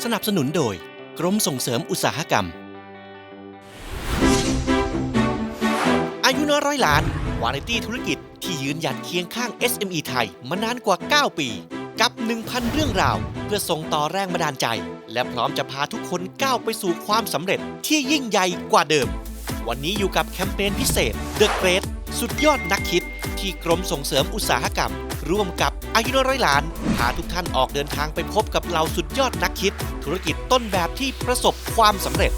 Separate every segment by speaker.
Speaker 1: สนับสนุนโดยกรมส่งเสริมอุตสาหกรรมอายุน้อยร้อยล้านวาไรตี้ธุรกิจที่ยืนหยัดเคียงข้าง SME ไทยมานานกว่า 9 ปีกับ 1,000 เรื่องราวเพื่อส่งต่อแรงบันดาลใจและพร้อมจะพาทุกคนก้าวไปสู่ความสำเร็จที่ยิ่งใหญ่กว่าเดิมวันนี้อยู่กับแคมเปญพิเศษ The Great สุดยอดนักคิดที่กรมส่งเสริมอุตสาหกรรมร่วมกับอายุน้อยร้อยล้านพาทุกท่านออกเดินทางไปพบกับเหล่าสุดยอดนักคิดธุรกิจต้นแบบที่ประสบความสำเร็จ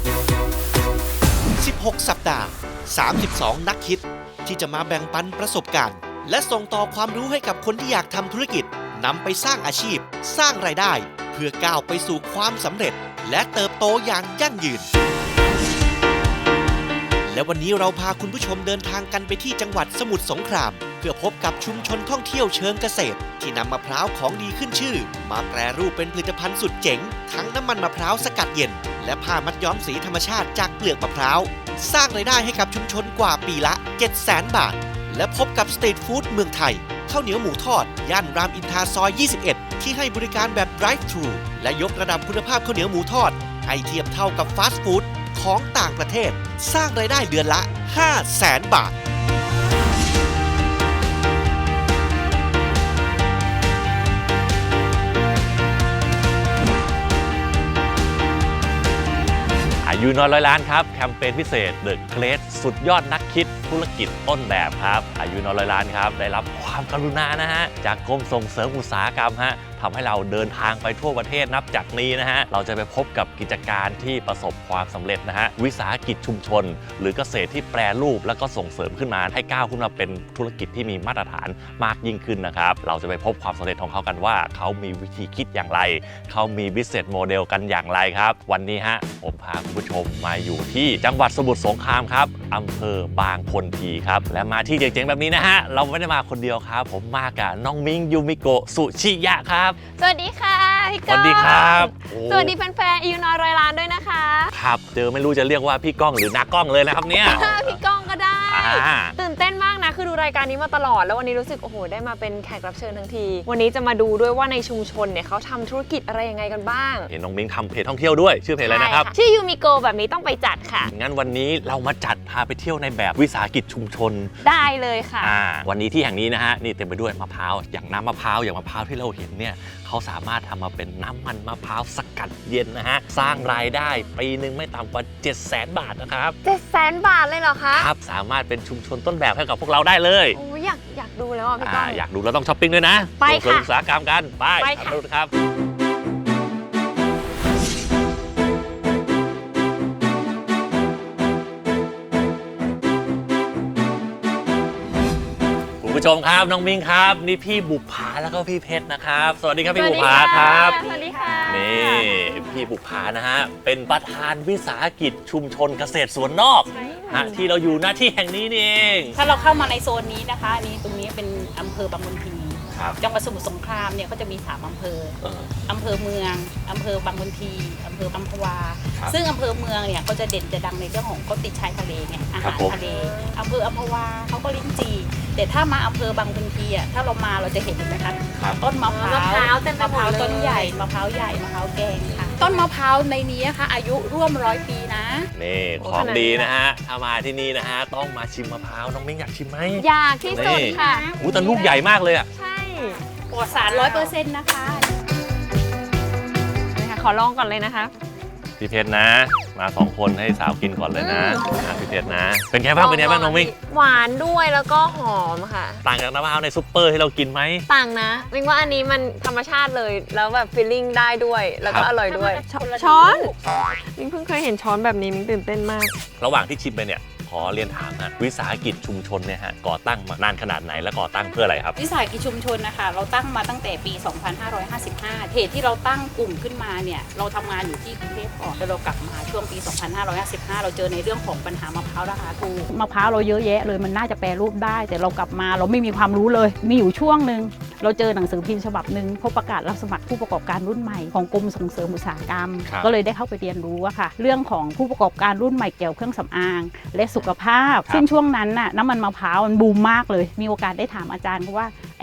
Speaker 1: 16 สัปดาห์ 32 นักคิดที่จะมาแบ่งปันประสบการณ์และส่งต่อความรู้ให้กับคนที่อยากทำธุรกิจนำไปสร้างอาชีพสร้างรายได้เพื่อก้าวไปสู่ความสำเร็จและเติบโตอย่างยั่งยืนและวันนี้เราพาคุณผู้ชมเดินทางกันไปที่จังหวัดสมุทรสงครามเพื่อพบกับชุมชนท่องเที่ยวเชิงเกษตรที่นำมะพร้าวของดีขึ้นชื่อมาแปรรูปเป็นผลิตภัณฑ์สุดเจ๋งทั้งน้ำมันมะพร้าวสกัดเย็นและผ้ามัดย้อมสีธรรมชาติจากเปลือกมะพร้าวสร้างรายได้ให้กับชุมชนกว่าปีละ 700,000 บาทและพบกับสตรีทฟู้ดเมืองไทยข้าวเหนียวหมูทอดย่านรามอินทราซอย 21 ที่ให้บริการแบบ Drive Thru และยกระดับคุณภาพข้าวเหนียวหมูทอดให้เทียบเท่ากับฟาสต์ฟู้ดของต่างประเทศสร้างรายได้เดือนละ 500,000 บาท
Speaker 2: อายุน้อยร้อยล้านครับแคมเปญพิเศษ The Great สุดยอดนักคิดธุรกิจต้นแบบครับอายุน้อยร้อยล้านครับได้รับความกรุณานะฮะจากกรมส่งเสริมอุตสาหกรรมฮะทำให้เราเดินทางไปทั่วประเทศนับจากนี้นะฮะเราจะไปพบกับกิจการที่ประสบความสำเร็จนะฮะวิสาหกิจชุมชนหรือเกษตรที่แปรรูปแล้วก็ส่งเสริมขึ้นมาให้ก้าวขึ้นมาเป็นธุรกิจที่มีมาตรฐานมากยิ่งขึ้นนะครับเราจะไปพบความสำเร็จของเขากันว่าเขามีวิธีคิดอย่างไรเขามี business model กันอย่างไรครับวันนี้ฮะผมพาคุณผู้ชมมาอยู่ที่จังหวัดสมุทรสงครามครับอำเภอบางคนทีครับและมาที่เจ๋งๆแบบนี้นะฮะเราไม่ได้มาคนเดียวครับผมมากับน้องมิ้งยูมิโกะสุชิยะครับ
Speaker 3: สวัสดีค่ะพี่ก้อง
Speaker 2: สวัสดีครับ
Speaker 3: สวัสดีแฟนๆอายุน้อยร้อยล้านด้วยนะคะ
Speaker 2: ครับเจอไม่รู้จะเรียกว่าพี่ก้องหรือน้ากล้องเลยนะครับเนี่ย
Speaker 3: พี่ก้องก็ได้ตื่นเต้นมากนะคือดูรายการนี้มาตลอดแล้ววันนี้รู้สึกโอ้โหได้มาเป็นแขกรับเชิญทั้งทีวันนี้จะมาดูด้วยว่าในชุมชนเนี่ยเขาทำธุรกิจอะไรยังไงกันบ้าง
Speaker 2: เห็นน้องมิ้งทำเพจท่องเที่ยวด้วยชื่อเพจอะไรนะครับ
Speaker 3: ชื่อยูมิโกแบบนี้ต้องไปจัดค่ะ
Speaker 2: งั้นวันนี้เรามาจัดพาไปเที่ยวในแบบวิสาหกิจชุมชน
Speaker 3: ได้เลยค่ะ
Speaker 2: วันนี้ที่แห่งนี้นะฮะนี่เต็มไปด้วยมะพร้าวอย่างน้ำมะพร้าวอย่างมะพร้าวที่เราเห็นเนี่ยเขาสามารถทำมาเป็นน้ำมันมะพร้าวสกัดเย็นนะฮะสร้างรายได้ปีนึงไม่ต่ำกว่า 700,000 บาทนะครับ
Speaker 3: 700,000 บาทเลยเหรอคะ
Speaker 2: ครับสามารถเป็นชุมชนต้นแบบให้กับพวกเราได้เลย
Speaker 3: โอ้อยากดูแล้วพี่ก้อง
Speaker 2: อยากดูแล้วต้องช้อปปิ้งด้วยนะ
Speaker 3: ไปค่ะ
Speaker 2: อุตสาหกรรมกันไปดูครับคุณผู้ชมครับน้องมิ้งครับนี่พี่บุภาแล้วก็พี่เพชรนะครับสวัสดีครับพี่บุภาครับ
Speaker 3: สวัสดีค่ะ
Speaker 2: นี่พี่บุภานะฮะเป็นประธานวิสาหกิจชุมชนเกษตรสวนนอกที่เราอยู่หน้าที่แห่งนี้นี่เอง
Speaker 4: ถ้าเราเข้ามาในโซนนี้นะคะนี่ตรงนี้เป็นอำเภอบางคนทีจังหวัดสมุทรสงครามเนี่ยก็จะมี3อำเภออำเภอเมืองอำเภอบางคนทีอำเภออัมพวาซึ่งอำเภอเมืองเนี่ยก็จะเด่นจะดังในเรื่องของเขาติดชายทะเลไงอาหารทะเลอำเภออัมพวาเขาก็ลิ้นจี่แต่ถ้ามาอำเภอบางคนทีอ่ะถ้าเรามาเราจะเห็นไหมคะต้นมะพร้าวต้นใหญ่มะพร้าวใหญ่มะพร้าวแกงค่ะต้นมะพร้าวในนี้นะคะอายุร่วม100 ปีนะ
Speaker 2: นี่ของดีนะฮะถ้ามาที่นี่นะฮะต้องมาชิมมะพร้าวน้องมิ้งอยากชิมไหม
Speaker 3: อยากที่สุดค่ะ
Speaker 2: แต่ลูกใหญ่มากเลยอ่ะ
Speaker 3: ใช่
Speaker 4: ปลอดสาร 100% นะคะ
Speaker 3: ขอลองก่อนเลยนะคะ
Speaker 2: พี่เพชรนะมา2คนให้สาวกินก่อนเลยนะพี่เพชรนะเป็นไงบ้างน้องมิ้ง
Speaker 3: หวานด้วยแล้วก็หอมค่ะ
Speaker 2: ต่างจากน้ำมะพร้าวในซุปเปอร์ที่เรากินไหม
Speaker 3: ต่างนะมิ้งว่าอันนี้มันธรรมชาติเลยแล้วแบบฟีลลิ่งได้ด้วยแล้วก็อร่อยด้วยช้อนมิ้งเพิ่งเคยเห็นช้อนแบบนี้มิ้งตื่นเต้นมาก
Speaker 2: ระหว่างที่ชิมไปเนี่ยขอเรียนถามฮะวิสาหกิจชุมชนเนี่ยฮะก่อตั้งมานานขนาดไหนและก่อตั้งเพื่ออะไรครับ
Speaker 4: วิสาหกิจชุมชนนะคะเราตั้งมาตั้งแต่ปี 2555เหตุที่เราตั้งกลุ่มขึ้นมาเนี่ยเราทำงานอยู่ที่กรุงเทพก่อนแล้วเรากลับมาช่วงปี 2555เราเจอในเรื่องของปัญหามะพร้าวราคาถูก
Speaker 5: มะพร้าวเราเยอะแยะเลยมันน่าจะแปรรูปได้แต่เรากลับมาเราไม่มีความรู้เลยมีอยู่ช่วงหนึ่งเราเจอหนังสือพิมพ์ฉบับหนึ่งพบประกาศรับสมัครผู้ประกอบการรุ่นใหม่ของกรมส่งเสริมอุตสาหกรรมก็เลยได้เข้าไปเรียนรู้ว่าค่ะเรื่องของผู้ประกอบการรุ่นใหม่เกี่ยวเครื่องสำอางและสุขภาพซึ่งช่วงนั้นน่ะน้ำมันมะพร้าวมันบูมมากเลยมีโอกาสได้ถามอาจารย์ว่าไอ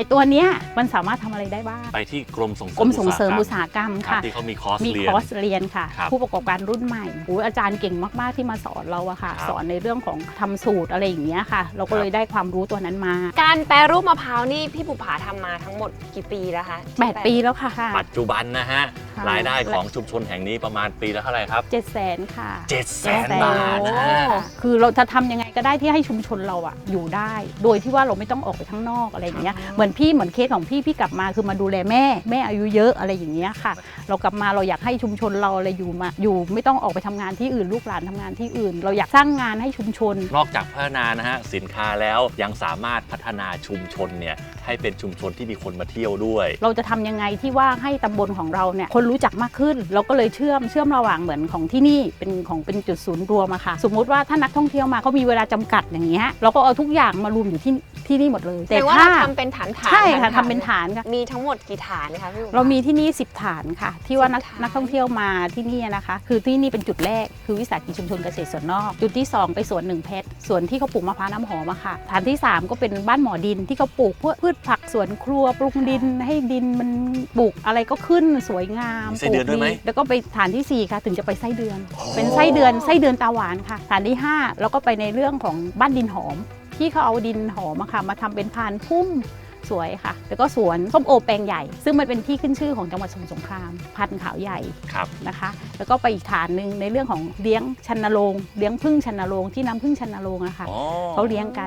Speaker 5: อ้ตัวเนี้ยมันสามารถทำอะไรได้บ้าง
Speaker 2: ไปที่กรมส่ง
Speaker 5: กรมส่งเสริมอุตสาหกรรม
Speaker 2: ครับ
Speaker 5: ค่ะ
Speaker 2: ที่เขามีคอร์ส
Speaker 5: มี
Speaker 2: เรีย
Speaker 5: คน อร์สเรียนค่ะ
Speaker 2: ครับ
Speaker 5: ผู้ประกอบการรุ่นใหม่อาจารย์เก่งมากๆที่มาสอนเราอะค่ะ
Speaker 2: ครับ
Speaker 5: สอนในเรื่องของทำสูตรอะไรอย่างเงี้ยค่ะ เราก็เลยได้ความรู้ตัวนั้นมา
Speaker 3: การแปรรูปมะพร้าวนี่พี่บุภาทำมาทั้งหมดกี่ปีแล้วคะ
Speaker 5: 8 ปีแล้วค่ะ
Speaker 2: ปัจจุบันนะฮะ
Speaker 5: ค่ะ
Speaker 2: รายได้ของชุมชนแห่งนี้ประมาณปีละเท่าไหร่ครับ
Speaker 5: 700,000 ค่ะ
Speaker 2: 700,000 บาทนะฮะ
Speaker 5: คือเราจะทำยังไงก็ได้ที่ให้ชุมชนเราอะอยู่ได้ โดยที่ว่าเราไม่ต้องออกไปข้างนอกอะไรอย่างเงี้ยเหมือนเคสของพี่กลับมาคือมาดูแลแม่อายุเยอะอะไรอย่างเงี้ยค่ะ เรากลับมาเราอยากให้ชุมชนเราอะไรอยู่ไม่ต้องออกไปทำงานที่อื่นลูกหลานทำงานที่อื่น เราอยากสร้างงานให้ชุมชน
Speaker 2: นอกจากพัฒนานะฮะสินค้าแล้วยังสามารถพัฒนาชุมชนเนี่ยให้เป็นชุมชนที่มีคนมาเที่ยวด้วย
Speaker 5: เราจะทำยังไงที่ว่าให้ตำบลของเราเนี่ยคนรู้จักมากขึ้น เราก็เลยเชื่อมระหว่างเหมือนของที่นี่เป็นจุดศูนย์รวมอะค่ะสมมุติว่าถ้านักท่องเที่ยวมาเขามีเวลาจำกัดอย่างเงี้ยเราก็เอาทุกอย่างมารวมอยู่ที่นี่หมดเลย
Speaker 3: แต่ว่าเราทำเป็นฐานๆ
Speaker 5: ใช่ค่ะทำเป็นฐานค่ะ
Speaker 3: มีทั้งหมดกี่ฐานคะพี่บุภา
Speaker 5: เรามีที่นี่10 ฐานค่ะ ที่ว่า
Speaker 3: 10 ฐาน
Speaker 5: นักท่องเที่ยวมาที่นี่นะคะ คือที่นี่เป็นจุดแรกคือวิสาหกิจชุมชนเกษตรสวนนอก จุดที่ 2 ไปสวนหนึ่งเพชรสวนที่เขาปลูกมะพร้าวน้ำหอมอะค่ะฐานที่ 3 ก็เป็นบ้านหมอดินที่เขาปลูกพืชผักสวนครัวปรุงดินให้ดินมันปลูกอะไรก็ขึ้นสวยงาม
Speaker 2: มีไส้เดือนด้วยไหม
Speaker 5: แล้วก็ไปฐานที่ 4 ค่ะถึงจะไปไส้เดือน เป็นไส้เดือนตาหวานค่ะฐานที่ 5 แล้วก็ไปในเรื่องของบ้านดินหอม ที่เขาเอาดินหอมอะค่ะมาทำเป็นพานพุ่มสวยค่ะ แล้วก็สวนส้มโอแปลงใหญ่ ซึ่งมันเป็นที่ขึ้นชื่อของจังหวัดสมุทรสงครามพันธุ์ขาวใหญ่
Speaker 2: ครับ
Speaker 5: นะคะ แล้วก็ไปอีกฐานหนึ่งในเรื่องของเลี้ยงชันโรงเลี้ยงผึ้งชันโรงที่น้ำผึ้งชันโรงอะค่ะ
Speaker 2: อ๋อ
Speaker 5: เขาเลี้ยงกัน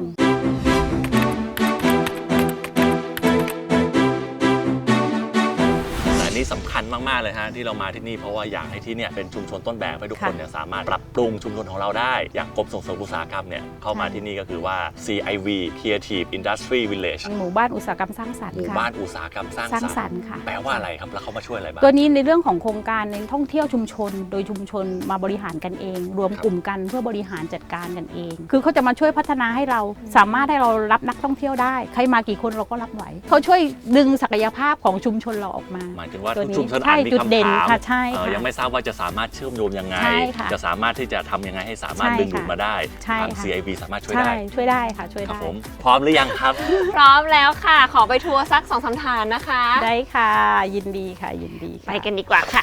Speaker 2: แต่อันนี้สำคัญมาก ๆ เลยฮะที่เรามาที่นี่เพราะว่าอยากให้ที่เนี่ยเป็นชุมชนต้นแบบให้ทุกคนเนี่ยสามารถปรับปรุงชุมชนของเราได้ อย่างกรมส่งเสริมอุตสาหกรรมเนี่ยเข้ามาที่นี่ก็คือว่า CIV Creative Industry Village
Speaker 5: หมู่บ้านอุตสาหกรรมสร้างสรรค์
Speaker 2: หมู่
Speaker 5: ค่ะ
Speaker 2: บ้านอุตสาหกรรมสร้าง
Speaker 5: สร้าง
Speaker 2: ส
Speaker 5: ส
Speaker 2: ร
Speaker 5: ร
Speaker 2: ร
Speaker 5: ร
Speaker 2: ค์
Speaker 5: ค์ค่ะ
Speaker 2: แปลว่าอะไรครับแล้วเขามาช่วยอะไรบ้าง
Speaker 5: ตัวนี้ในเรื่องของโครงการในท่องเที่ยวชุมชน โดยชุมชนมาบริหารกันเอง รวมกลุ่มกันเพื่อบริหารจัดการกันเอง คือเขาจะมาช่วยพัฒนาให้เราสามารถให้เรารับนักท่องเที่ยวได้ ใครมากี่คนเราก็รับไหวเขาช่วยดึงศักยภาพของชุมชนเราออกมา
Speaker 2: หมายถึงว่า
Speaker 5: ตั
Speaker 2: ทุ
Speaker 5: ว
Speaker 2: ก
Speaker 5: นี้
Speaker 2: ชุมชน
Speaker 5: ใช่
Speaker 2: อาจมี
Speaker 5: จุดเด่น
Speaker 2: คำถาม
Speaker 5: ค่ะใช่ค่ะ
Speaker 2: ยังไม่ทราบว่าจะสามารถเชื่อมโยงยังไง
Speaker 5: ใช่ค่ะ
Speaker 2: จะสามารถที่จะทำยังไงให้สามารถ
Speaker 5: ใช่
Speaker 2: ดึงดูด
Speaker 5: ค่ะ
Speaker 2: มาได้
Speaker 5: ใช่
Speaker 2: ทาง
Speaker 5: ค่ะ
Speaker 2: CIV สามารถช่วย
Speaker 5: ใช่
Speaker 2: ได้
Speaker 5: ช่วยได้ค่ะช่วย
Speaker 2: ครับ
Speaker 5: ได้
Speaker 2: ผมพร้อมหรือยังครับ
Speaker 3: พร้อมแล้วค่ะ ขอไปทัวร์สัก 2-3 ฐานนะคะ
Speaker 5: ได้ค่ะยินดีค่ะยินดีค่ะ
Speaker 3: ไปกันดีกว่าค่ะ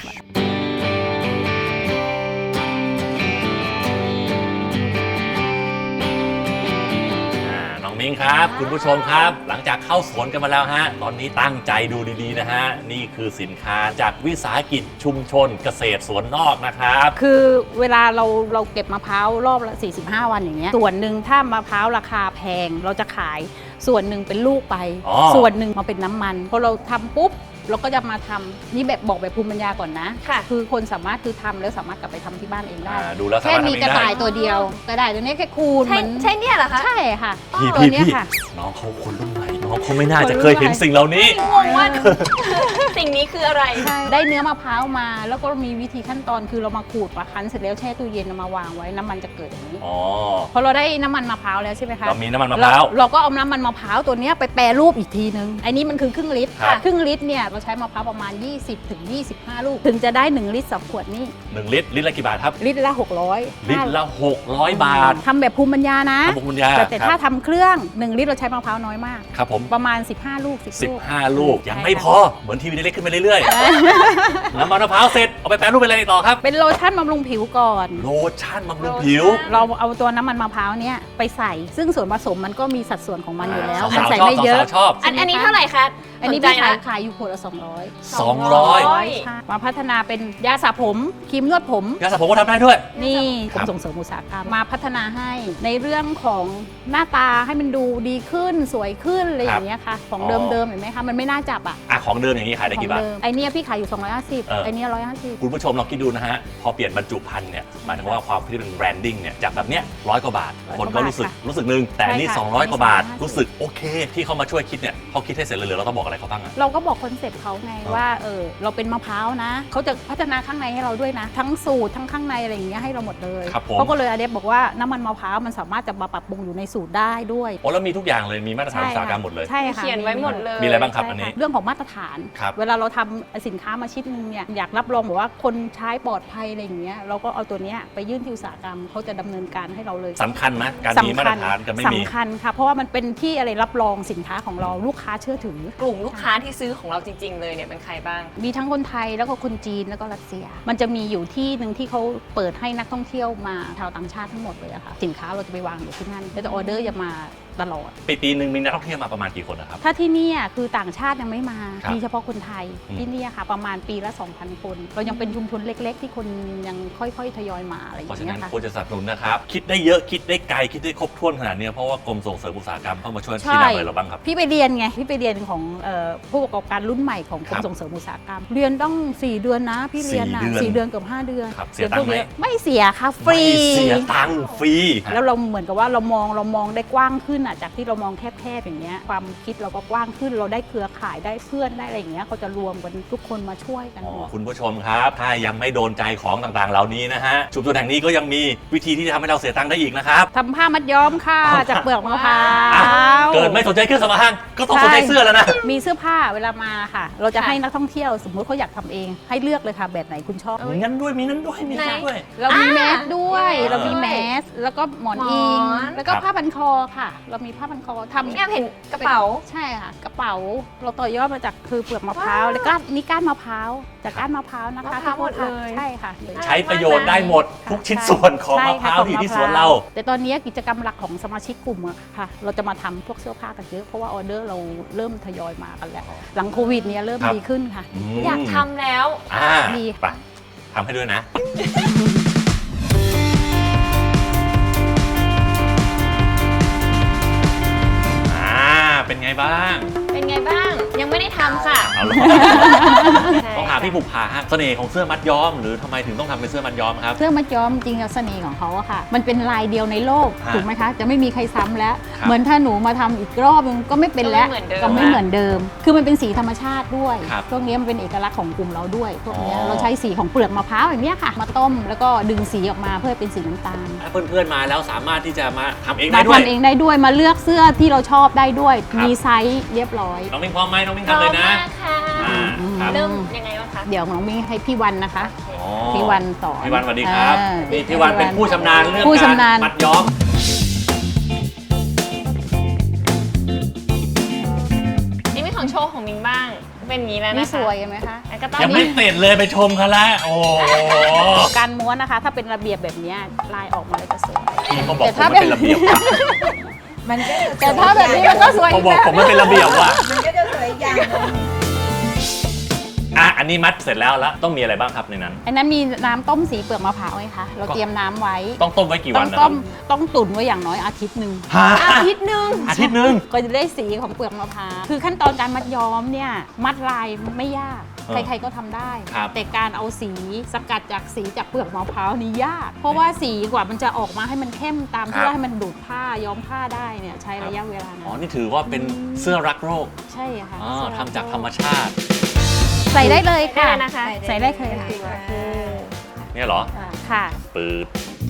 Speaker 2: น้องมิ้งครับ คุณผู้ชมครับ หลังจากเข้าสวนกันมาแล้วฮะตอนนี้ตั้งใจดูดีๆนะฮะนี่คือสินค้าจากวิสาหกิจชุมชนเกษตรสวนนอกนะครับ
Speaker 5: คือเวลาเราเก็บมะพร้าวรอบละ45 วันอย่างเงี้ยส่วนหนึ่งถ้ามะพร้าวราคาแพงเราจะขายส่วนหนึ่งเป็นลูกไป
Speaker 2: อ๋อ
Speaker 5: ส่วนหนึ่งมาเป็นน้ำมันพอเราทำปุ๊บเราก็จะมาทำนี่แบบบอกแบบภูมิปัญญาก่อนนะ
Speaker 3: ค่ะ
Speaker 5: คือคนสามารถคือทำแล้วสามารถกลับไปทำที่บ้านเองได้
Speaker 2: ดูแล้วสา
Speaker 5: แค่
Speaker 2: มารถ
Speaker 5: มี
Speaker 2: ทำเอง
Speaker 5: กระ
Speaker 2: ได้
Speaker 5: ต่ายตัวเดียวกระต่ายตัวนี้แค่คูณ
Speaker 3: ใช่
Speaker 5: มัน
Speaker 3: ใช่เนี่ยเหรอคะ
Speaker 5: ใช่ค่ะ
Speaker 2: พี่
Speaker 5: ตัวเนี้ยค่ะ
Speaker 2: น้องเขาคนรุ่นใหม่น้องเขาไม่น่าจะเคยเห็นสิ่งเหล่านี้
Speaker 3: งงว่า สิ่งนี้คืออะไร
Speaker 5: ใช่ได้เนื้อมะพร้าวมา แล้วก็มีวิธีขั้นตอนคือเรามาขูดมาคั้นเสร็จแล้วแช่ตู้เย็นเอามาวางไว้น้ำมันจะเกิดอย่างนี้
Speaker 2: อ๋อ
Speaker 5: พอเราได้น้ำมันมะพร้าวแล้วใช่ไหมคะ
Speaker 2: เรามีน้ำมันมะพร้าว
Speaker 5: เราก็เอาน้ำมันมะพร้าวตัวเนี้ยไปแปรรูปอีกทีนึงอันนี้มันคือครึ่งลิตร
Speaker 2: ครับ
Speaker 5: ครึ่งลิตรเนี่ยเราใช้มะพร้าวประมาณ 20 ถึง 25 ลูก ถึงจะได้ 1 ลิตร2ขวดนี่
Speaker 2: 1 ลิตรลิตรละกี่บาทครับ
Speaker 5: ลิตรละ 600
Speaker 2: ลิตรละ 600 บาท
Speaker 5: ทำแบบภูมิปัญญานะ
Speaker 2: ขอบคุณยา
Speaker 5: แต่ถ้าทำเครื่อง 1 ลิตรเราใช้มะพร้าวน้อยมาก
Speaker 2: ครับผม
Speaker 5: ประมาณ 15 ลูก 10 ลูก
Speaker 2: 15 ลูกยังไม่พอเหมือนทีวีเล็กๆขึ้นไปเรื่อยๆ น้ำมันมะพร้าวเสร็จเอาไปแปรรูปเป็นอะไรต่อครับ
Speaker 5: เป็นโลชั่นบำรุงผิวก่อน
Speaker 2: โลชั่นบำรุงผิว
Speaker 5: เราเอาตัวน้ำมันมะพร้าวเนี่ยไปใส่ ซึ่งส่วนผสมมันก็มีสัดส่วนของมันอยู่แล้ว
Speaker 2: สาวๆ
Speaker 5: ใส่
Speaker 2: ชอบ
Speaker 5: ไม่เยอะ
Speaker 2: สาวๆชอบ
Speaker 3: อันนี้เท่าไหร่คะ
Speaker 5: อันนี้
Speaker 3: สใจ
Speaker 5: พี่
Speaker 3: นะ
Speaker 5: ขายอยู่ขวดละ 200
Speaker 2: 200
Speaker 5: ใช่มาพัฒนาเป็นยาสระผมครีมนวดผม
Speaker 2: ยาสระผมก็ทำได้ด้วย
Speaker 5: นี่ก
Speaker 2: ครั
Speaker 5: ร
Speaker 2: บ
Speaker 5: มส่งเสริมอุตสาหกรรมมาพัฒนาให้ในเรื่องของหน้าตาให้มันดูดีขึ้นสวยขึ้นอะไรอย่างเงี้ยค่ะ ของเดิมๆเห็นไหมคะมันไม่น่าจับอ่ะ
Speaker 2: อ่ะของเดิมอย่างนี้ขายได้
Speaker 5: ของ
Speaker 2: กี่บาท
Speaker 5: เดิมไอเนี้ยพี่ขายอยู่ 250ไอเนี้ย
Speaker 2: คุณผู้ชมลองคิดดูนะฮะ พอเปลี่ยนบรรจุภัณฑ์เนี่ยหมายถึงว่าความที่เป็นแบรนดิ้งเนี่ยจากแบบเนี้ย100 กว่าบาท คนก็รู้สึกนึงแต่อันนี่
Speaker 5: ใช่ค่ะ
Speaker 2: 200 กว่าบาท
Speaker 5: 250
Speaker 2: รู้สึกโอเค ที่เขามาช่วยคิดเนี่ยเขาคิดให้เสร็จเลยเราต้องบอกอะไรอะไรเขาบ้างอะ
Speaker 5: เราก็บอกคอนเซ็ปต์เขาไงว่าเราเป็นมะพร้าวนะเขาจะพัฒนาข้างในให้เราด้วยนะ ทั้งสูตรทั้งข้างในอะไรอย่างเงี้ยให้เราหมดเลย
Speaker 2: ครับผม
Speaker 5: เขาก็เลยอเดฟบอกว่าน้ำมันมะพร้าวมันสามารถจะมาปรับปรุงอยู่ในสูตรได้ด้วย
Speaker 2: โอ้แล้วมีทุกอย่างเลยมีมาตรฐานอุตสาหกรรมหมดเลย
Speaker 5: ใช่ค่ะ
Speaker 3: เขียนไว้หมดเลย
Speaker 2: มีอะไรบ้างครับ
Speaker 5: ใช่
Speaker 2: อันนี้
Speaker 5: เรื่องของมาตรฐาน
Speaker 2: ครับ
Speaker 5: เวลาเราทำสินค้ามาชิ้นนึงเนี่ยอยากรับรองบอกว่าคนใช้ปลอดภัยอะไรอย่างเงี้ยเราก็เอาตัวเนี้ยไปยื่นที่อุตสาหกรรมเขาจะดำเนินการให้เราเลย
Speaker 2: สำคัญไหมการมีมาตรฐานกับไม่มี
Speaker 5: สำคัญค่ะเพราะว่ามันเป็นที่อะไรรับรองสินค้าของเราลูกค้าเชื่อถือ
Speaker 3: กลุ่มลูกค้าที่ซื้อของเราจริง ๆ เลยเนี่ยเป็นใครบ้าง
Speaker 5: มีทั้งคนไทยแล้วก็คนจีนแล้วก็รัสเซีย มันจะมีอยู่ที่หนึ่งที่เขาเปิดให้นักท่องเที่ยวมาชาวต่างชาติทั้งหมดเลยอะค่ะสินค้าเราจะไปวางอยู่ที่นั่นแล้วจะออเดอร์จะมาตลอด
Speaker 2: ปีหนึ่งมีนักท่องเที่ยวมาประมาณกี่คนนะครับ
Speaker 5: ถ้าที่เนี่ยคือต่างชาติยังไม่มา
Speaker 2: ครับ
Speaker 5: มีเฉพาะคนไทย
Speaker 2: อืม
Speaker 5: ที่เนี่ยค่ะ ประมาณปีละ 2,000 คน เรายังเป็นชุมชนเล็ก ๆ ที่คนยังค่อยๆทยอยมาอะไรอ
Speaker 2: เพ
Speaker 5: ย่า
Speaker 2: ราะ
Speaker 5: ง
Speaker 2: ฉะ
Speaker 5: เงี้
Speaker 2: นั้น
Speaker 5: ยค่ะ
Speaker 2: ควรจะสนับสนุนนะครับ คิดได้เยอะคิดได้ไกลคิดได้ครบถ้วนขนาดนี้เพราะว่ากรมส่งเสริมอุตสาหกรรมเข้ามาช่วยชี้นำอะไรเราบ้างครับ
Speaker 5: พี่ไปเรียนไงพี่ไปเรียนของผู้ประกอบการรุ่นใหม่ของก
Speaker 2: ค
Speaker 5: ร
Speaker 2: รั
Speaker 5: ม
Speaker 2: บ
Speaker 5: ส่งเสริมอุตสาหกรรม เรียนต้อง 4 เดือนนะพี่เรียนนะ
Speaker 2: 4 เดือน
Speaker 5: 4 เดือนเกือบ5 เดือน
Speaker 2: ครับเสียตังค์ไหม
Speaker 5: รีนพวกนี้ไม่เสียค่ะฟรี
Speaker 2: ไม่เสียตังค์ฟรี
Speaker 5: แล้วเราเหมือนกับว่าเรามองได้กว้างขึ้นอ่ะจากที่เรามองแคบๆอย่างเงี้ยความคิดเราก็กว้างขึ้นเราได้เครือข่ายได้เพื่อนได้อะไรอย่างเงี้ยเขาจะรวมกันทุกคนมาช่วยกันหมด
Speaker 2: คุณผู้ชมครับ ถ้ายังไม่โดนใจของต่างๆ เหล่านี้นะฮะชุมชนแห่งนี้ก็ยังมีวิธีที่จะทำให้เราเสียตังค์ได้อีกนะครับ
Speaker 5: ทำผ้ามัดย้อมค่ะจากเปลือกมะพร้า
Speaker 2: อ่ะ
Speaker 5: ว
Speaker 2: เกิดไม่สนใจเครื่องสำอางก็ต้องสนใจเสื้อแล้วนะ
Speaker 5: มีเสื้อผ้าเวลามาค่ะ เราจะให้นักท่องเที่ยวสมมุติเขาอยากทำเอง ให้เลือกเลยค่ะแบบไหนคุณชอบ
Speaker 2: มีงั้นด้วยมีงั้นด้วยมีงั้นด้วย
Speaker 5: เรามีแมสด้วย
Speaker 2: อ่า
Speaker 5: เรามีแมสแล้วก็หมอนอิง
Speaker 3: หมอน
Speaker 5: แล้วก็
Speaker 2: ครับ
Speaker 5: ผ้าพันคอค่ะ เรามีผ้าพันคอทำ
Speaker 3: แอบเห็นกระเป๋า
Speaker 5: ใช่ค่ะกระเป๋าเราต่อยอดมาจากคือเปลือกมะพร้าวแล้วก็นี่ก้านมะพร้าวจากก้านมะพร้าวนะคะ
Speaker 3: มะพร้าวหมดเลย
Speaker 5: ใช่ค่ะ
Speaker 2: ใช้ประโยชน์ได้หมดทุกชิ้นส่วนของมะพร้าวที่อยู่ที่สวนเรา
Speaker 5: แต่ตอนนี้กิจกรรมหลักของสมาชิกกลุ่มอะค่ะ เราจะมาทำพวกเสื้อผ้ากันเยอะเพราะว่าออเดอร์เราเริ่มทยอยมากันแล้ว หลังโควิดเนี้ยเริ่ม
Speaker 2: ครับ
Speaker 5: ดีขึ้นค่ะ
Speaker 3: อยากทำแล้ว
Speaker 5: ดี
Speaker 2: ไปทำให้ด้วยนะ เป็นไงบ้าง
Speaker 3: เป็นไงบ้าง ยังไม่ได้ทำค่ะ
Speaker 2: เอาล่ะ ต้องหาพี่บุภาฮะเสน่ห์ของเสื้อมัดย้อมหรือทำไมถึงต้องทำเป็นเสื้อมัดย้อมครับ
Speaker 5: เสื้อมัดย้อมจริงๆเสน่ห์ของเขาอะค่ะ มันเป็นลายเดียวในโลก
Speaker 2: ฮะ
Speaker 5: ถูกไหมคะ จะไม่มีใครซ้ำแล้ว
Speaker 2: ครับ
Speaker 5: เหมือนถ้าหนูมาทำอีกรอบนึงก็ไม่เป็นแล้ว
Speaker 3: ก็ไม่เหมือนเดิม
Speaker 5: คือมันเป็นสีธรรมชาติด้วย
Speaker 2: ครับ
Speaker 5: พวกนี้มันเป็นเอกลักษณ์ของกลุ่มเราด้วยพวกเนี้ย
Speaker 2: อ๋อ
Speaker 5: เราใช้สีของเปลือกมะพร้าวอย่างเนี้ยค่ะ มาต้มแล้วก็ดึงสีออกมาเพื่อให้เป็นสีน้ำตาล
Speaker 2: ถ้าเพื่อนๆมาแล้วสามารถที่จะมาทำเองได้
Speaker 5: มา
Speaker 2: ด้วย
Speaker 5: ทำเองได้ด้วยมาเลือกเสื้อที่เราชอบได้ด้วย
Speaker 2: ครับ
Speaker 5: มีไซส์เรียบร้อย
Speaker 2: น้องมิ้งพร้อมไหมน้องมิ้ง
Speaker 3: พร้อ
Speaker 2: ทำเล
Speaker 3: ม
Speaker 2: ยนะ
Speaker 3: มากค่ะ
Speaker 2: อ่าครับ
Speaker 3: เริ่มยังไงบ้างคะ
Speaker 5: เดี๋ยวน้องมิ้งให้พี่วันนะคะ
Speaker 2: อ๋อ
Speaker 5: พี่วันสอน
Speaker 2: พี่วันสวัสดีครับ
Speaker 5: อ่า
Speaker 2: นี่พี่วันเป็นผู้ชำนาญเรื่อง
Speaker 5: ผู้
Speaker 2: การ
Speaker 5: ชำนาญ
Speaker 2: มัดย้อม
Speaker 3: นี่เป็นของโชว์ของมิงบ้าง เป็นอย่างนี้แล้ว
Speaker 5: นี่
Speaker 3: นะคะ
Speaker 5: สวยไหมคะ
Speaker 3: แล้วก็ต้อง
Speaker 2: ยังไม่เสร็จเลยไปชมเขาละโอ้โห
Speaker 5: การม้วนนะคะ ถ้าเป็นระเบียบแบบเนี้ยลายออกมาเลยจะสวย
Speaker 2: พี่เขาบอก
Speaker 5: แต่
Speaker 2: ผม
Speaker 5: ถ้า
Speaker 2: ไม่เป็นระเบียบว่ะ
Speaker 6: มันก็จะ
Speaker 5: แต่ถ้าแบบนี้มันก็สวย
Speaker 2: เขาบอกผมไม่เป็นระเบียบว่ะ
Speaker 6: มันก็จะสวยอย่างหนึ่ง
Speaker 2: อ่ะอันนี้มัดเสร็จแล้วต้องมีอะไรบ้างครับในนั้น
Speaker 5: อันนั้นมีน้ำต้มสีเปลือกมะพร้าวไงคะเราเตรียมน้ำไว้
Speaker 2: ต้องต้มไว้กี่
Speaker 5: ต้
Speaker 2: วั
Speaker 5: อน ง
Speaker 2: นะค
Speaker 5: ต้
Speaker 2: รับ
Speaker 5: มต้องตุ๋นไว้อย่างน้อยอาทิตย์หนึ่ง
Speaker 2: ฮะ
Speaker 3: อาทิตย์หนึ่ง
Speaker 2: อาทิตย์หนึง
Speaker 5: ก็จะได้สีของเปลือกมะพร้าวคือขั้นตอนการมัดย้อมเนี่ยมัดลายไม่ยาก
Speaker 2: เออ
Speaker 5: ใครๆก็ทำได้
Speaker 2: ครับ
Speaker 5: แต่การเอาสีสกัดจากสีจากเปลือกมะพร้าวนี่ยาก เพราะว่าสีกว่ามันจะออกมาให้มันเข้มตาม
Speaker 2: ครั
Speaker 5: ที่
Speaker 2: บ
Speaker 5: ว่าให้มันดูดผ้าย้อมผ้าได้เนี่ยใช้ระยะเวลา
Speaker 2: อ๋อ
Speaker 5: นาน
Speaker 2: นี่ถือว่าเป็นเสื้อรักโรค
Speaker 5: ใช่ค่ะ
Speaker 2: อ๋อทำจากธรรมชาติ
Speaker 5: ใส่ได้เลย
Speaker 3: ได้
Speaker 5: ค่ะ
Speaker 3: นะคะ
Speaker 5: ใส่ได้เลยค่ะ
Speaker 2: เนี่ยเหรอ
Speaker 5: ค่ะ
Speaker 2: ปืด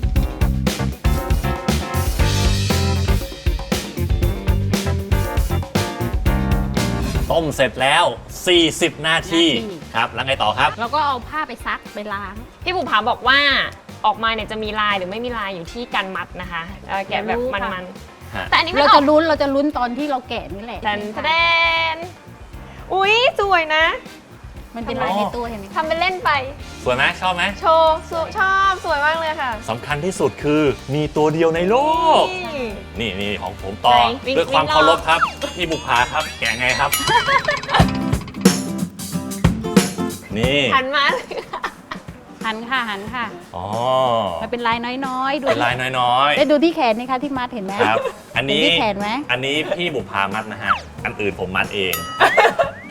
Speaker 2: ต้มเสร็จแล้ว 40 นาที ครับ แล้วไงต่อครับ
Speaker 5: แล้วก็เอาผ้าไปซักไปล้าง
Speaker 3: พี่บุภาบอกว่าออกมาเนี่ยจะมีลายหรือไม่มีลายอยู่ที่การมัดนะคะแกะแบบมัน
Speaker 2: ฮะ
Speaker 3: ๆแต่อันนี้มัน
Speaker 5: เรา
Speaker 3: ออ
Speaker 5: จะ
Speaker 3: ก
Speaker 5: ลุ้นตอนที่เราแกะนี่แหละ
Speaker 3: แทนอุ๊ยสวยนะ
Speaker 5: มันเป็นลายในตัวเห็นไหมคะ
Speaker 3: ทำเป็นเล่นไป
Speaker 2: สวยไหมชอบไหม
Speaker 3: โชว์ชอบสวยมากเลยค่ะ
Speaker 2: สำคัญที่สุดคือมีตัวเดียวในโลก
Speaker 3: นี่
Speaker 2: นี่ของผมต่อ
Speaker 3: ไหนวิ่ง
Speaker 2: ด้วยความ
Speaker 3: วิ่งรอบ
Speaker 2: เคารพครับ พี่บุภาครับ แกะไงครับ นี่
Speaker 3: หันมา
Speaker 5: หันค่ะ
Speaker 2: อ๋อ
Speaker 5: มันเป็นลายน้อยๆดู
Speaker 2: เป็นลายน้อย
Speaker 5: ได้ดูที่แขนนี่คะที่มัดเห็นไหม
Speaker 2: ๆ ครับ อันนี้
Speaker 5: เห็นที่แขนไหม
Speaker 2: อันนี้พี่บุภามัดนะฮะ อันอื่นผมมัดเอง ถ้า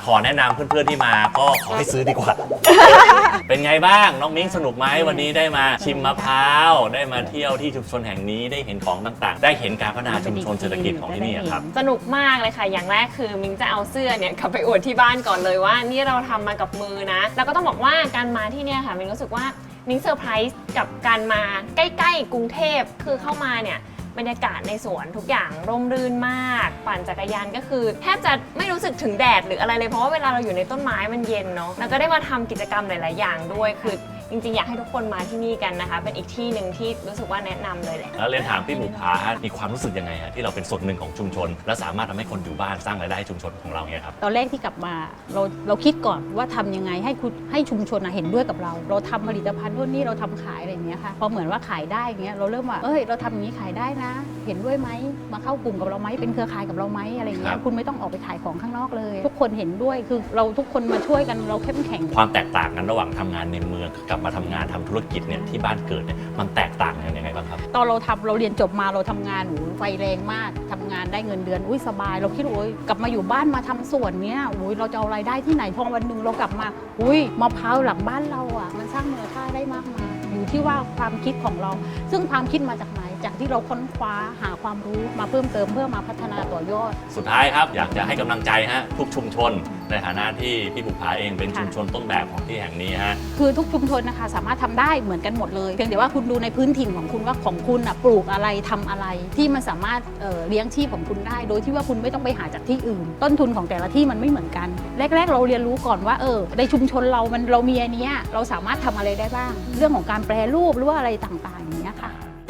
Speaker 2: ขอแนะนำเพื่อนๆที่มาก็ขอให้ซื้อดีกว่า เป็นไงบ้างน้องมิ้งสนุกไหมวันนี้ได้มาชิมมะพร้าวได้มาเที่ยวที่ชุมชนแห่งนี้ได้เห็นของต่างๆ ได้เห็นการพัฒนาชุมชนเศรษฐกิจของที่นี่ครับ
Speaker 3: สนุกมากเลยค่ะ อย่างแรกคือมิงจะเอาเสื้อเนี่ยกลับไปอวดที่บ้านก่อนเลยว่านี่เราทำมากับมือนะ แล้วก็ต้องบอกว่าการมาที่เนี่ยค่ะมิงรู้สึกว่ามิงเซอร์ไพรส์กับการมาใกล้ๆกรุงเทพคือเข้ามาเนี่ยบรรยากาศในสวนทุกอย่างร่มรื่นมากปั่นจักรยานก็คือแทบจะไม่รู้สึกถึงแดดหรืออะไรเลยเพราะว่าเวลาเราอยู่ในต้นไม้มันเย็นเนาะแล้วก็ได้มาทำกิจกรรมหลายๆอย่างด้วยคือจริงๆอยากให้ทุกคนมาที่นี่กันนะคะเป็นอีกที่หนึ่งที่รู้สึกว่าแนะนำเลยแหละ
Speaker 2: แล้วเรียนถามพี่บุภาฮะมีความรู้สึกยังไงฮะที่เราเป็นส่วนหนึ่งของชุมชน และสามารถทำให้คนอยู่บ้านสร้างรายได้ให้ชุมชนของเราเนี่ยครับ
Speaker 5: ตอนแรกที่กลับมาเราคิดก่อนว่าทำยังไงให้ชุมชนเห็นด้วยกับเราทำผลิตภัณฑ์พวกนี้เราทำขายอะไรอย่างเงี้ยค่ะพอเหมือนว่าขายได้อย่างเงี้ยเราเริ่มว่าเราทำอย่างนี้ขายได้นะ เห็นด้วยไหมมาเข้ากลุ่มกับเราไหมเป็นเครือข่ายกับเราไหมอะไรอย่างเงี้ยคุณไม่ต้องออกไปขายของข้างนอกเลย ทุกคนเห็นด้วยคือเราทุกคนมาช่วยกันเราเข้มแข็ง
Speaker 2: ความแตกต่างกันระหว่างทำงานในเมืองกับมาทำงานทำธุรกิจเนี่ยที่บ้านเกิดเนี่ยมันแตกต่างกันยังไงบ้างครับ
Speaker 5: ตอนเราเรียนจบมาเราทำงานไฟแรงมากทำงานได้เงินเดือนสบายเราคิดว่ากลับมาอยู่บ้านมาทำสวนเนี้ยเราจะเอารายได้ที่ไหนพอวันหนึ่งเรากลับมามะพร้าวหลังบ้านเราอ่ะมันสร้างมูลค่าได้มากมายอยู่ที่ว่าความคิดของเราซึ่งความคิดมาจากไหนจากที่เราค้นคว้าหาความรู้มาเพิ่มเติมเพื่อมาพัฒนาต่อยอด
Speaker 2: สุดท้ายครับอยากจะให้กำลังใจฮะทุกชุมชนในฐานะที่พี่บุภาเองเป็นชุมชนต้นแบบของที่แห่งนี้ฮะ
Speaker 5: คือทุกชุมชนนะคะสามารถทำได้เหมือนกันหมดเลยเพียงแต่ว่าคุณดูในพื้นถิ่นของคุณว่าของคุณปลูกอะไรทำอะไรที่มันสามารถเลี้ยงชีพของคุณได้โดยที่ว่าคุณไม่ต้องไปหาจากที่อื่น ต้นทุนของแต่ละที่มันไม่เหมือนกันแรกๆเราเรียนรู้ก่อนว่าในชุมชนเรามีอันเนี้ยเราสามารถทำอะไรได้บ้างเรื่องของการแปรรูปหรือว่าอะไรต่างๆอย่างเงี้ยค่ะ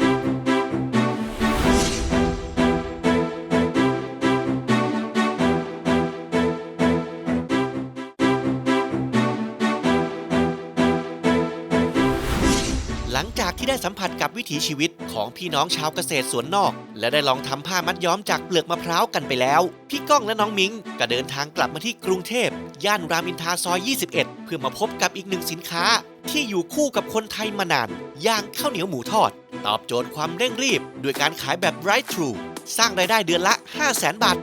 Speaker 1: หลังจากที่ได้สัมผัสกับวิถีชีวิตของพี่น้องชาวเกษตรสวนนอก และได้ลองทำผ้ามัดย้อมจากเปลือกมะพร้าวกันไปแล้วพี่ก้องและน้องมิ้งก็เดินทางกลับมาที่กรุงเทพย่านรามอินทราซอย 21 เพื่อมาพบกับอีกหนึ่งสินค้าที่อยู่คู่กับคนไทยมานานอย่างข้าวเหนียวหมูทอดตอบโจทย์ความเร่งรีบด้วยการขายแบบ Drive Thru สร้างรายได้เดือนละ 500,000 บาท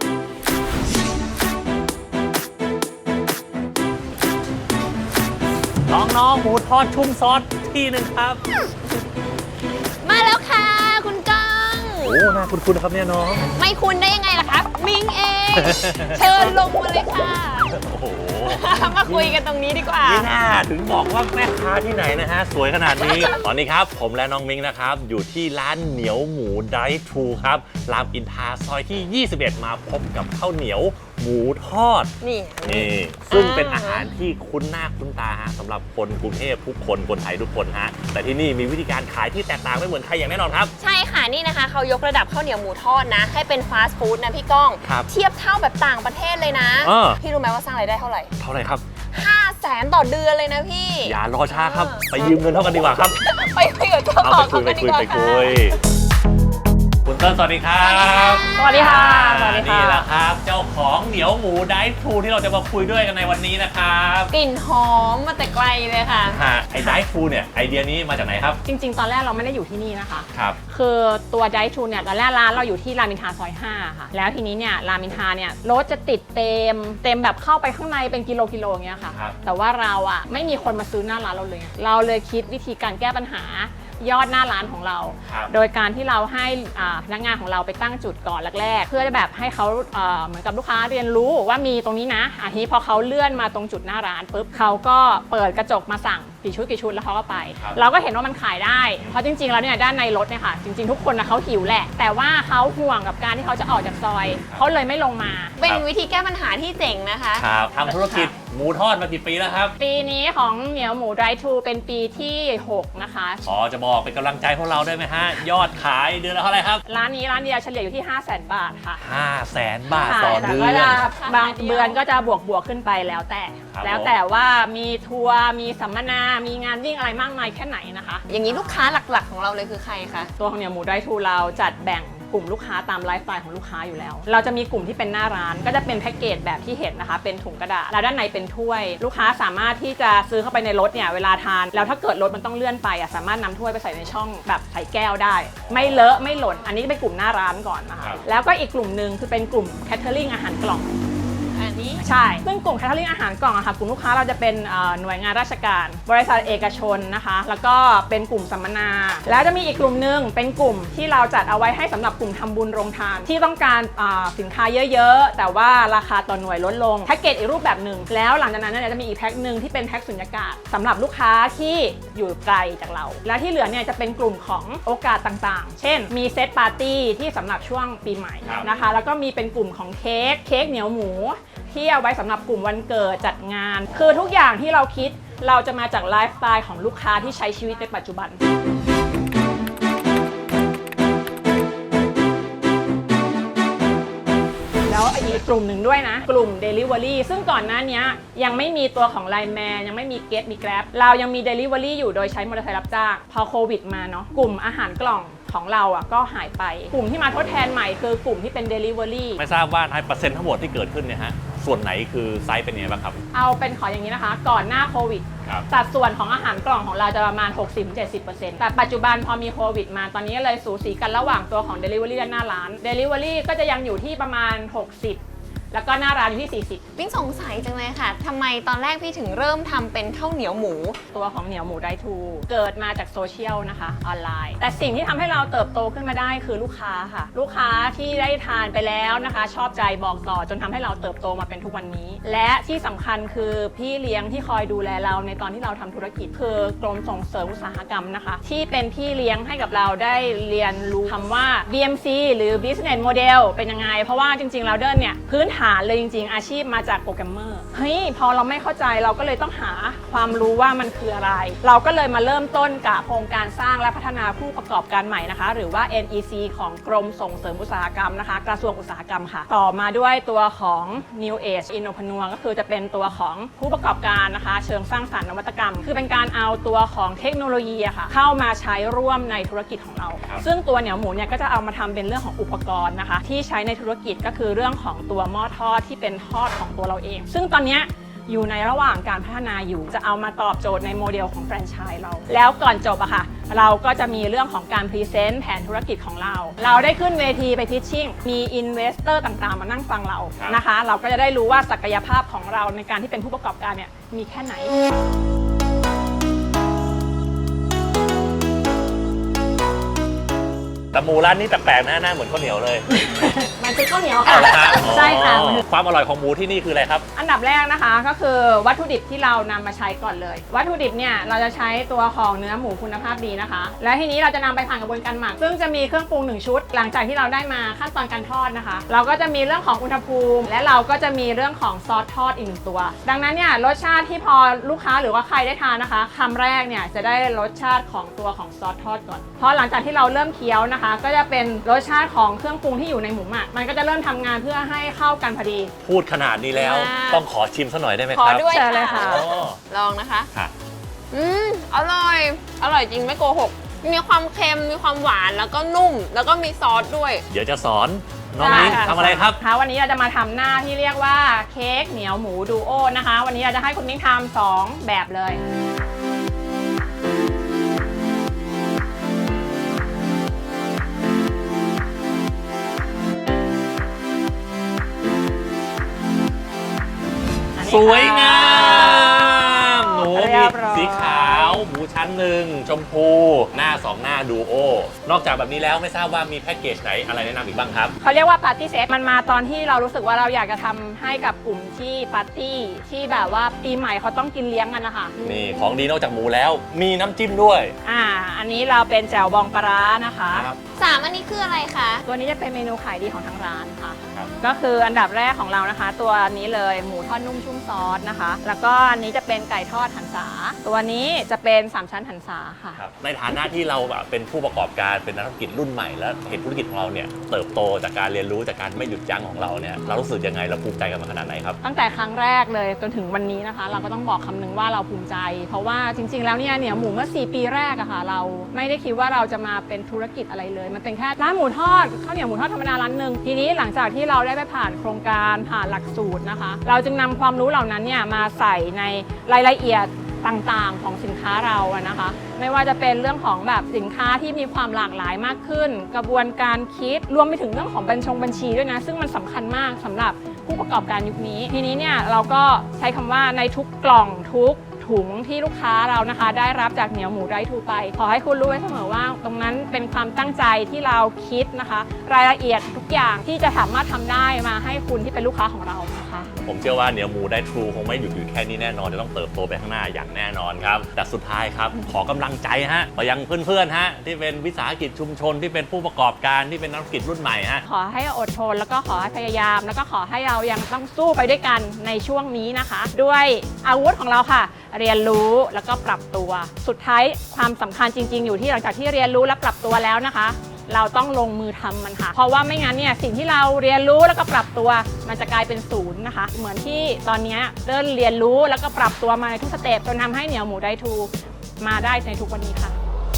Speaker 2: น้องๆหมูทอดชุ่มซอสที่หนึ่งครับ
Speaker 3: มาแล้วค่ะคุณก้อง
Speaker 2: โอ้น่าคุ้นๆครับเนี่ยน้อง
Speaker 3: ไม่คุณได้ยังไงล่ะคะมิงเอง เชิญลงมาเลยค่ะ
Speaker 2: โอ้โห
Speaker 3: มาคุยกันตรงนี้ดีกว่า
Speaker 2: นี่น่าถึงบอกว่าแม่ค้าที่ไหนนะฮะสวยขนาดนี้ ตอนนี้ครับผมและน้องมิ้งนะครับอยู่ที่ร้านเหนียวหมูไดร์ทรูครับรามอินทราซอยที่ 21 มาพบกับข้าวเหนียวหมูทอด
Speaker 3: นี่
Speaker 2: ซึ่งเป็นอาหารที่คุ้นหน้าคุ้นตาฮะสำหรับคนกรุงเทพทุกคนคนไทยทุกคนฮะแต่ที่นี่มีวิธีการขายที่แตกต่างไม่เหมือนใครอย่างแน่นอนครับ
Speaker 3: ใช่ค่ะนี่นะคะเขายกระดับข้าวเหนียวหมูทอดนะ ให้เป็นฟาสต์ฟู้ดนะพี่ก้อง
Speaker 2: ครับ
Speaker 3: เทียบเท่าแบบต่างประเทศเลยนะ พี่รู้ไหมว่าสร้างรายได้เท่าไหร่
Speaker 2: เท่าไหร่ครับ
Speaker 3: 500,000 ต่อเดือนเลยนะพี่
Speaker 2: อย่ารอช้าครับ ไปยืมเงินเท่ากันดีกว่าครับ
Speaker 3: ไปคุยกับเจ้าของเขากันดีกว่าค่ะ
Speaker 2: คุณเติ้ลสวัสดีครับ
Speaker 3: สวัสดีค่ะสวัสดีค่ะ
Speaker 2: นี่แหละครับ เจ้าของเหนียวหมูไดร์ทรูที่เราจะมาคุยด้วยกันในวันนี้นะครับ
Speaker 3: กลิ่นหอมมาแต่ไกลเลยค่ะ
Speaker 2: ไอ้ไดร์ทรูเนี่ยไอเดียนี้มาจากไหนครับ
Speaker 7: จริงๆ ตอนแรกเราไม่ได้อยู่ที่นี่นะคะ
Speaker 2: ครับ
Speaker 7: คือตัวไดทูเนี่ยตอนแรกร้านเราอยู่ที่รามอินทราซอย 5 ค่ะ แล้วทีนี้เนี่ยรามอินทราเนี่ยรถจะติดเต็มแบบเข้าไปข้างในเป็นกิโลอย่างเงี้ยค่ะ
Speaker 2: ครับ
Speaker 7: แต่ว่าเราอะไม่มีคนมาซื้อหน้าร้านเราเลย เราเลยคิดวิธีการแก้ปัญหายอดหน้าร้านของเรา
Speaker 2: ครับ
Speaker 7: โดยการที่เราให้พนักงานของเราไปตั้งจุดก่อนแรกๆ เพื่อแบบให้เขาเหมือนกับลูกค้าเรียนรู้ว่ามีตรงนี้นะทีนี้พอเขาเลื่อนมาตรงจุดหน้าร้านปุ๊บเขาก็เปิดกระจกมาสั่งกี่ชุดแล้วเขาก็ไป เราก็เห็นว่ามันขายได้เพราะจริงๆแล้วเนี่ยด้านในรถเนี่ยค่ะจริงๆทุกคนนะเขาหิวแหละแต่ว่าเขาห่วงกับการที่เขาจะออกจากซอยเขาเลยไม่ลงมา
Speaker 3: เป็นวิธีแก้ปัญหาที่เจ๋งนะคะ
Speaker 2: ครับทำธุรกิจหมูทอดมากี่ปีแล้วครับ
Speaker 7: ปีนี้ของเหนียวหมูไดร์ทูเป็นปีที่ 6 นะคะ
Speaker 2: อ๋อจะบอกเป็นกำลังใจพวกเราได้ไหมฮะ ยอดขายเดือนละเท่าไหร่ครับ
Speaker 7: ร้านนี้ร้านเดียวเฉลี่ยอยู่ที่ 500,000 บาทค่ะ
Speaker 2: 500,000 บาท
Speaker 7: ค่ะ
Speaker 2: ต่อ
Speaker 7: แต่
Speaker 2: เดือ
Speaker 7: ก็
Speaker 2: น
Speaker 7: จะบางเดือนก็จะบวกขึ้นไปแล้วแต่
Speaker 2: ครับ
Speaker 7: แล้วแต่ว่ามีทัวร์มีสัมมนา มีงานวิ่งอะไรมากมายแค่ไหนนะคะ
Speaker 3: อย่างนี้ลูกค้าหลักๆของเราเลยคือใครคะ
Speaker 7: ตัวของเหนียวหมูไดร์ทูเราจัดแบ่งกลุ่มลูกค้าตามไลฟ์สไตล์ของลูกค้าอยู่แล้ว เราจะมีกลุ่มที่เป็นหน้าร้านก็จะเป็นแพ็กเกจแบบที่เห็นนะคะเป็นถุงกระดาษแล้วด้านในเป็นถ้วย ลูกค้าสามารถที่จะซื้อเข้าไปในรถเนี่ยเวลาทานแล้วถ้าเกิดรถมันต้องเลื่อนไปสามารถนำถ้วยไปใส่ในช่องแบบใส่แก้วได้ ไม่เลอะไม่หล่นอันนี้เป็นกลุ่มหน้าร้านก่อนนะคะแล้วก็อีกกลุ่มหนึ่งคือเป็นกลุ่มแคทเทอริงอาหารกล่อง
Speaker 3: อัน
Speaker 7: ใช่ ซึ่งกลุ่มแคทเทอริงอาหารกล่องอะค่ะกลุ่มลูกค้าเราจะเป็นหน่วยงานราชการบริษัทเอกชนนะคะแล้วก็เป็นกลุ่มสัมมนาแล้วจะมีอีกกลุ่มนึงเป็นกลุ่มที่เราจัดเอาไว้ให้สำหรับกลุ่มทำบุญโรงทานที่ต้องการสินค้าเยอะๆแต่ว่าราคาต่อหน่วยลดลงแพ็กเกจอีกรูปแบบหนึ่งแล้วหลังจากนั้นเนี่ยจะมีอีกแพ็คหนึ่งที่เป็นแพ็คสุญญากาศสำหรับลูกค้าที่อยู่ไกลจากเราและที่เหลือเนี่ยจะเป็นกลุ่มของโอกาสต่างๆเช่นมีเซตปาร์ตี้ที่สำหรับช่วงปีใหม่นะคะแล้วก็มีเป็นกลุ่มของเค้กเหนียวหมูที่เอาไว้สำหรับกลุ่มวันเกิดจัดงานคือทุกอย่างที่เราคิดเราจะมาจากไลฟ์สไตล์ของลูกค้าที่ใช้ชีวิตในปัจจุบันแล้วอีกกลุ่มหนึ่งด้วยนะกลุ่ม Delivery ซึ่งก่อนหน้านี้ยังไม่มีตัวของ Line Man ยังไม่มี Get มี Grab เรายังมี Delivery อยู่โดยใช้มอเตอร์ไซค์รับจ้างพอโควิดมาเนาะกลุ่มอาหารกล่องของเราก็หายไปกลุ่มที่มาทดแทนใหม่คือกลุ่มที่เป็น Delivery
Speaker 2: ไม่ทราบว่าในเปอร์เซ็นต์ทั้งหมดที่เกิดขึ้นเนี่ยฮะส่วนไหนคือไซส์เป็นยังไงบ้างครับ
Speaker 7: เอาเป็นขออย่างนี้นะคะก่อนหน้าโควิดสัดส่วนของอาหารกล่องของเราจะประมาณ 60-70% แต่ปัจจุบันพอมีโควิดมาตอนนี้เลยสูสีกันระหว่างตัวของ Delivery และหน้าร้าน Delivery ก็จะยังอยู่ที่ประมาณ 60 แล้วก็หน้าร้านอยู่ที่ 40
Speaker 3: มิ้งสงสัยจังเลยค่ะทำไมตอนแรกพี่ถึงเริ่มทำเป็นข้าวเหนียวหมู
Speaker 7: ตัวของเหนียวหมูไดทูเกิดมาจากโซเชียลนะคะออนไลน์แต่สิ่งที่ทำให้เราเติบโตขึ้นมาได้คือลูกค้าค่ะลูกค้าที่ได้ทานไปแล้วนะคะชอบใจบอกต่อจนทำให้เราเติบโตมาเป็นทุกวันนี้และที่สำคัญคือพี่เลี้ยงที่คอยดูแลเราในตอนที่เราทำธุรกิจคือกรมส่งเสริมอุตสาหกรรมนะคะที่เป็นพี่เลี้ยงให้กับเราได้เรียนรู้คำว่า BMC หรือ Business Model เป็นยังไงเพราะว่าจริงๆเราเดินเนี่ยพื้นฐานเลยจริงๆอาชีพมาจากโปรแกรมเมอร์เฮ้ยพอเราไม่เข้าใจเราก็เลยต้องหาความรู้ว่ามันคืออะไรเราก็เลยมาเริ่มต้นกับโครงการสร้างและพัฒนาผู้ประกอบการใหม่นะคะหรือว่า NEC ของกรมส่งเสริมอุตสาหกรรมนะคะกระทรวงอุตสาหกรรมค่ะต่อมาด้วยตัวของ New Age Innopreneur ก็คือจะเป็นตัวของผู้ประกอบการนะคะเชิงสร้างสรรค์นวัตกรรมคือเป็นการเอาตัวของเทคโนโลยีค่ะเข้ามาใช้ร่วมในธุรกิจของเราซึ่งตัวเหนียวหมูเนี่ยก็จะเอามาทำเป็นเรื่องของอุปกรณ์นะคะที่ใช้ในธุรกิจก็คือเรื่องของตัวหม้อทอดที่เป็นทอดของตัวเราเองซึ่งตอนนี้อยู่ในระหว่างการพัฒนาอยู่จะเอามาตอบโจทย์ในโมเดลของแฟรนไชส์เราแล้วก่อนจบอะค่ะเราก็จะมีเรื่องของการพรีเซนต์แผนธุรกิจของเราได้ขึ้นเวทีไปพิชชิ่งมีอินเวสเตอร์ต่างๆมานั่งฟังเรานะคะเราก็จะได้รู้ว่าศักยภาพของเราในการที่เป็นผู้ประกอบการเนี่ยมีแค่ไหน
Speaker 2: แต่หมูร้านนี้แปลกๆนะหน้าเหมือนข้าวเหนียวเลย
Speaker 7: มันคือข้าวเหนียวค่ะใช่ค่ะ
Speaker 2: ความอร่อยของหมูที่นี่คืออะไรครับ
Speaker 7: อันดับแรกนะคะก็คือวัตถุดิบที่เรานำมาใช้ก่อนเลยวัตถุดิบเนี่ยเราจะใช้ตัวของเนื้อหมูคุณภาพดีนะคะและทีนี้เราจะนำไปผ่านกระบวนการหมักซึ่งจะมีเครื่องปรุง1ชุดหลังจากที่เราได้มาขั้นตอนการทอดนะคะเราก็จะมีเรื่องของอุณหภูมิและเราก็จะมีเรื่องของซอสทอดอีก1ตัวดังนั้นเนี่ยรสชาติที่พอลูกค้าหรือว่าใครได้ทานนะคะคำแรกเนี่ยจะได้รสชาติของตัวของซอสทอดก่อนเพราะหลังจากที่เราเริ่มเคี้ยวนะคะก็จะเป็นรสชาติของเครื่องปรุงที่อยู่ในหมูหมักมันก็จะเริ่มทำงานเพื่อให้เข้ากันพอดี
Speaker 2: พูดขนาดนี้แล้วต้องขอชิมสักหน่อยได้ไหมครับ
Speaker 3: ขอด้วย
Speaker 7: เลยค่ะ
Speaker 3: ลองนะคะอร่อยจริงไม่โกหกมีความเค็มมีความหวานแล้วก็นุ่มแล้วก็มีซอสด้วย
Speaker 2: เดี๋ยวจะสอนน้องมิ้งทำอะไรครับ
Speaker 7: วันนี้เราจะมาทำหน้าที่เรียกว่าเค้กเหนียวหมูดูโอนะคะวันนี้เราจะให้คุณมิ้งทำ2แบบเลย
Speaker 2: สวยงามหมูมีสีขาวหมูชั้นหนึ่งชมพูหน้า2หน้าดูโอนอกจากแบบนี้แล้วไม่ทราบว่ามีแพ็กเกจไหนอะไรแนะนำอีกบ้างครับ
Speaker 7: เขาเรียกว่าปาร์ตี้เซตมันมาตอนที่เรารู้สึกว่าเราอยากจะทำให้กับกลุ่มที่ปาร์ตี้ที่แบบว่าปีใหม่เขาต้องกินเลี้ยงกันนะคะ
Speaker 2: นี่ของดีนอกจากหมูแล้วมีน้ำจิ้มด้วย
Speaker 7: อันนี้เราเป็นแจ่วบองปลาร้านะคะ
Speaker 3: 3อันนี้คืออะไรคะ
Speaker 7: ตัวนี้จะเป็นเมนูขายดีของทางร้านค่ะก็คืออันดับแรกของเรานะคะตัวนี้เลยหมูทอดนุ่มชุ่มซอสนะคะแล้วก็อันนี้จะเป็นไก่ทอดหันษาตัวนี้จะเป็น3ชั้นหันษาค่ะ
Speaker 2: ในฐานะที่เราเป็นผู้ประกอบการเป็นนักธุรกิจรุ่นใหม่และเห็นธุรกิจของเราเนี่ยเติบโตจากการเรียนรู้จากการไม่หยุดยั้งของเราเนี่ยเรารู้สึกยังไงเราภูมิใจกันมาขนาดไหนครับ
Speaker 7: ตั้งแต่ครั้งแรกเลยจนถึงวันนี้นะคะเราก็ต้องบอกคำนึงว่าเราภูมิใจเพราะว่าจริงๆแล้วเนี่ยเหนียวหมูเมื่อ4 ปีแรกอะค่ะเราไม่ได้คิดว่าเราจะมาเป็นธุรกิจอะไรเลยมันเป็นแค่ร้านหมูทอดข้าวเหนียวหมูทอดธรรมดาร้านนึงทีนี้หลังจากที่เราได้ไปผ่านโครงการผ่านหลักสูตรนะคะเราจึงนำความรู้เหล่านั้นเนี่ยมาใส่ในรายละเอียดต่างๆของสินค้าเราอะนะคะไม่ว่าจะเป็นเรื่องของแบบสินค้าที่มีความหลากหลายมากขึ้นกระบวนการคิดรวมไปถึงเรื่องของบัญชีด้วยนะซึ่งมันสำคัญมากสำหรับผู้ประกอบการยุคนี้ทีนี้เนี่ยเราก็ใช้คำว่าในทุกกล่องทุกถุงที่ลูกค้าเรานะคะได้รับจากเหนียวหมูไรทูไปขอให้คุณรู้ไว้เสมอว่าตรงนั้นเป็นความตั้งใจที่เราคิดนะคะรายละเอียดทุกอย่างที่จะสามารถทำได้มาให้คุณที่เป็นลูกค้าของเรานะคะ
Speaker 2: ผมเชื่อว่าเหนียวหมูได้ทรูคงไม่หยุดอยู่แค่นี้แน่นอนจะต้องเติบโตไปข้างหน้าอย่างแน่นอนครับแต่สุดท้ายครับขอกำลังใจฮะไปยังเพื่อนๆฮะที่เป็นวิสาหกิจชุมชนที่เป็นผู้ประกอบการที่เป็นนักธุรกิจรุ่นใหม่ฮะ
Speaker 7: ขอให้อดทนแล้วก็ขอให้พยายามแล้วก็ขอให้เรายังต้องสู้ไปด้วยกันในช่วงนี้นะคะด้วยอาวุธของเราค่ะเรียนรู้แล้วก็ปรับตัวสุดท้ายความสำคัญจริงๆอยู่ที่หลังจากที่เรียนรู้และปรับตัวแล้วนะคะเราต้องลงมือทำมันค่ะเพราะว่าไม่งั้นเนี่ยสิ่งที่เราเรียนรู้แล้วก็ปรับตัวมันจะกลายเป็นศูนย์นะคะเหมือนที่ตอนนี้เริ่มเรียนรู้แล้วก็ปรับตัวมาในทุกสเต็ปจนทำให้เหนียวหมูได้ทูมาได้ในทุกวันนี้ค่ะ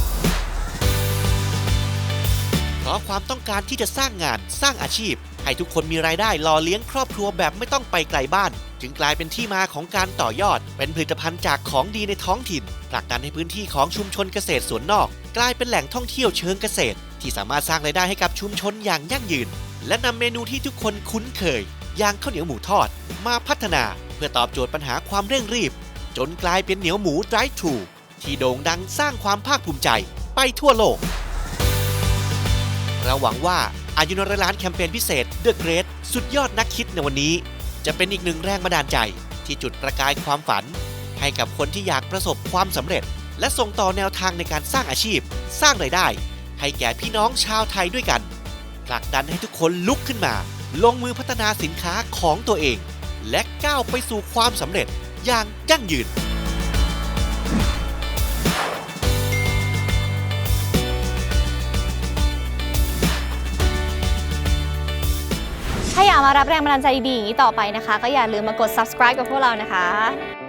Speaker 1: เพราะความต้องการที่จะสร้างงานสร้างอาชีพให้ทุกคนมีรายได้หล่อเลี้ยงครอบครัวแบบไม่ต้องไปไกลบ้านจึงกลายเป็นที่มาของการต่อยอดเป็นผลิตภัณฑ์จากของดีในท้องถิ่นผลักดันให้พื้นที่ของชุมชนเกษตรสวนนอกกลายเป็นแหล่งท่องเที่ยวเชิงเกษตรที่สามารถสร้างรายได้ให้กับชุมชนอย่างยั่งยืนและนำเมนูที่ทุกคนคุ้นเคยอย่างข้าวเหนียวหมูทอดมาพัฒนาเพื่อตอบโจทย์ปัญหาความเร่งรีบจนกลายเป็นเหนียวหมูไดรฟ์ทรูที่โด่งดังสร้างความภาคภูมิใจไปทั่วโลกเราหวังว่าอายุนร้อยล้านแคมเปญพิเศษ The Great สุดยอดนักคิดในวันนี้จะเป็นอีกหนึ่งแรงบันดาลใจที่จุดประกายความฝันให้กับคนที่อยากประสบความสำเร็จและส่งต่อแนวทางในการสร้างอาชีพสร้างรายได้ให้แก่พี่น้องชาวไทยด้วยกันผลักดันให้ทุกคนลุกขึ้นมาลงมือพัฒนาสินค้าของตัวเองและก้าวไปสู่ความสำเร็จอย่างยั่งยืน
Speaker 8: ถ้าอยากมารับแรงบันดาลใจดีๆอย่างนี้ต่อไปนะคะก็อย่าลืมมากด subscribe กับพวกเรานะคะ